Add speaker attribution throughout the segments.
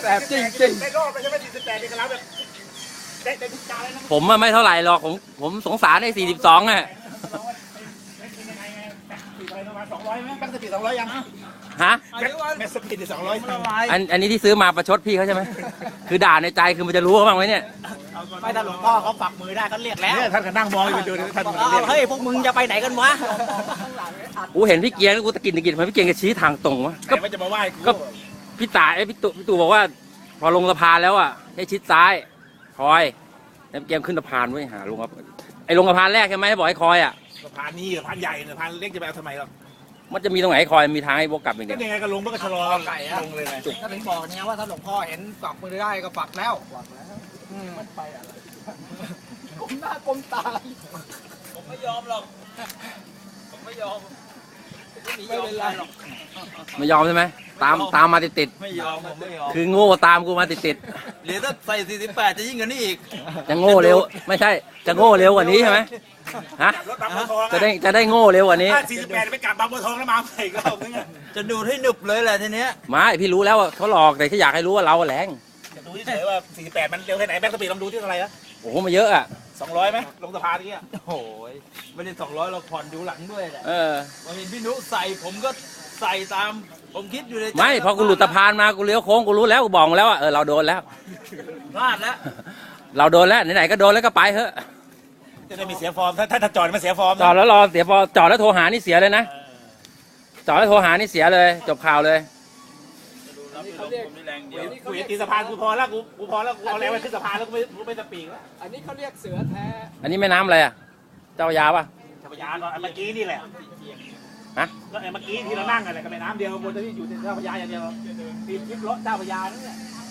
Speaker 1: แสบจริง
Speaker 2: ได้รอบไปใช่ไหม48นี่ก็แล้วแบบได้ทุกจานเลยนะ
Speaker 3: ผมไม่เท่าไหร่หรอกผมสงสารไอ้42อ่ะ
Speaker 2: ประมาณ200ไหมแบงค์สปีด200ยัง
Speaker 3: ฮะ
Speaker 2: แบงค์สปีด200
Speaker 3: อันนี้ที่ซื้อมาประชดพี่เขาใช่ไหมคือด่าในใจคือมันจะรู้บ้างไหมเนี่ย
Speaker 1: ไม่ถ้าหลวงพ่อเขาปักมือได้ก็เรียกแล้ว
Speaker 2: เนี่ยท่านก็นั่งมองอยู่ดูท่าน
Speaker 1: เฮ้ยพวกมึงจะไปไหนกันวะ
Speaker 3: กูเห็นพี่เกียร์กูตะกินทำไมพี่เกียร์จะชี้ทางตรงวะ
Speaker 2: ก็ไม่จะมาไหว้
Speaker 3: ก็พี่ตาพี่ตู่บอกว่า พอลงสะพานแล้วอ่ะให้ชิดซ้ายคอยแล้วเกียร์ขึ้นสะพานไว้หาลงครับไอ้ลงสะพานแรกใช่ไหมให้บอกให้คอยอ่ะ
Speaker 2: สะพานนี้สะพานใหญ่สะพานเล็กจะไปเอาทำไมหรอ
Speaker 3: มันจะมีตรงไหนให้คอยมีทางให้วกกลับอย่าง
Speaker 2: ก็
Speaker 3: เดียว
Speaker 2: ยังไงก็ลงมันก็ชะลอลงเลยไง
Speaker 1: ก็ถึงบอกเนี่ยว่าถ้าหลวงพ่อเห็นปักมือได้ก็ปักแล้วมันไปอะไรก้มหน้าก้มตาผมไม่ยอมหรอกผมไม่ยอมไม่เป็นไรหรอก
Speaker 3: ไม่ยอมใช่ไหมตามมาติด
Speaker 1: ไม่ยอมผมไม่ยอม
Speaker 3: คือโง่ตามกูมาติด
Speaker 1: หรือถ้าใส่48จะยิ่งกว่านี้อีก
Speaker 3: ๆจะโง่เร็วไม่ใช่จะโง่เร็วกว่านี้ใช่ไหมฮะ
Speaker 2: รถบางบัวทอง
Speaker 3: จะได้โง่เร็วกว่านี้
Speaker 2: ถ้า48ไปกลับบางบัวทองแล้วมาอีกรอบนึง
Speaker 1: จะดูดให้หนึบเลยแหละทีเนี้ย
Speaker 3: ไม่พี่รู้แล้วว่าเขาหลอกแต่ที่อยากให้รู้ว่าเราแรง
Speaker 2: ดูเฉยว่า48มันเร็วแค่ไหนแบงค์สปีดลองดูที่เท่าไหร่ละ
Speaker 3: โอ้โหมาเยอะอ่ะ
Speaker 2: 200ไหมลงสะพานนี้
Speaker 1: โอ้ยไม่ได้200เราผ่อนดูหลังด้วยแหละ
Speaker 3: เออ
Speaker 1: พอเห็นพี่นุใส่ผมก็ใส่ตามผมคิดอยู่ในใจ
Speaker 3: ไม่พอกูหลุดสะพานมากูเลี้ยวโค้งกูรู้แล้วกูบอกแล้วว่าเราโดนแล้ว
Speaker 1: พลาดแล้ว
Speaker 3: เราโดนแล้วไหนๆก็โดนแล้วก็ไปเถอะ
Speaker 2: จะได้มีเสียฟอร์มถ้าจอดมันเสียฟอร์ม
Speaker 3: จอดแล้วรอเสียพอจอดแล้วโทรหานี่เสียเลยนะจอดแล้วโทรหานี่เสียเลย จบข่าวเลย
Speaker 1: ผมมีแรงเดียว
Speaker 2: กูเห็นตีสะพานกูพอแล้วกูพอแล้วกูเอาแรงไปขึ้นสะพานแล้วกูไม่สปีกแล้ว
Speaker 1: อันนี้เขาเรียกเสือแท้
Speaker 3: อันนี้แม่น้ำอะไรอ่ะเจ้าพระยาป่ะ
Speaker 2: จักรยานก่อนเมื่อกี้นี่แหละ
Speaker 3: ฮะ
Speaker 2: แล้วเมื่อกี้ที่เรานั่งอะไรกับแม่น้ำเดียวบนที่อยู่ในเจ้าพระยาอย่างเดียวตีทริปรถเจ้าพระยานั่นแหละ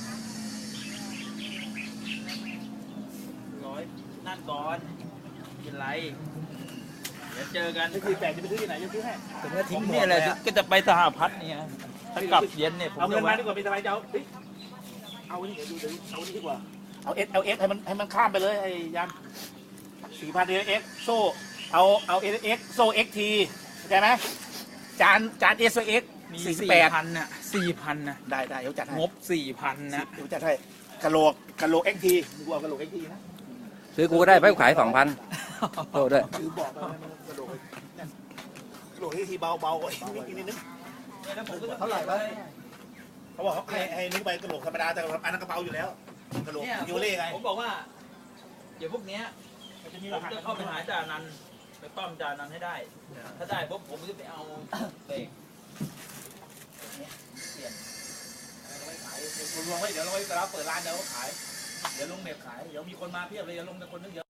Speaker 1: นั่นก่อนกินไรเดี๋ยวเจอกัน
Speaker 2: นี่คือแต่จะไปซื้อที่ไหนจะซื้อให้
Speaker 1: ผมเนี่ยแหละก็จะไปสหพัฒน์เนี่ยถ้ากลับเย็นเนี่ยผม
Speaker 2: เอาเงิ
Speaker 1: จะ
Speaker 2: นมา
Speaker 1: แวะ
Speaker 2: ดีกว่าเป็นสบายเจ้าเอานี่เดี๋ยวดูเอานี่ดีกว่าเอาเอสให้มันข้ามไปเลยไอ้ยัน4,000เอสโซ่เอาเอสโซ่เอ็กทีเข้าใจไหมจานเอสโซ่เอ็ก
Speaker 1: มี
Speaker 2: 48
Speaker 1: 4,000น่ะ4,000นะ
Speaker 2: ได้เดี๋ยวจัดให้
Speaker 1: งบ 4,000นะ
Speaker 2: เดี๋ยวจัดให้กะโหลกเอ็กทีกูเอากะโหลกเอ็กทีนะ
Speaker 3: ซื้อกูก็ได้ไปกูขาย2,000โทษด้วย
Speaker 2: คือบอกว่ามันกระโหลกเอ็กทีเบาอีกนิดนึง
Speaker 1: เท่าไหร่วะ
Speaker 2: เขาบอกให้นึกไปกระโหลกธรรมดาแต่อันนั้นกระเป๋าอยู่แล้วกระโหลกยูเล่ไง
Speaker 1: ผมบอกว่าเดี๋ยวพวกเนี้ย
Speaker 2: มันจะมี
Speaker 1: ผ
Speaker 2: ร
Speaker 1: ม
Speaker 2: หัส
Speaker 1: จะเข้าไปหาจ่านันไปป้อมจ่านันให้ได้ ถ้าได้ปุ๊บผมจะไปเอาเบรก
Speaker 2: รวมไว้เดี๋ยวเราไว้เวลาเปิดร้านเดี๋ยวขายเดี๋ยวลงเน็ตขายเดี๋ยวมีคนมาเพียบเลยเดี๋ยวลงแต่คนนึงเดียว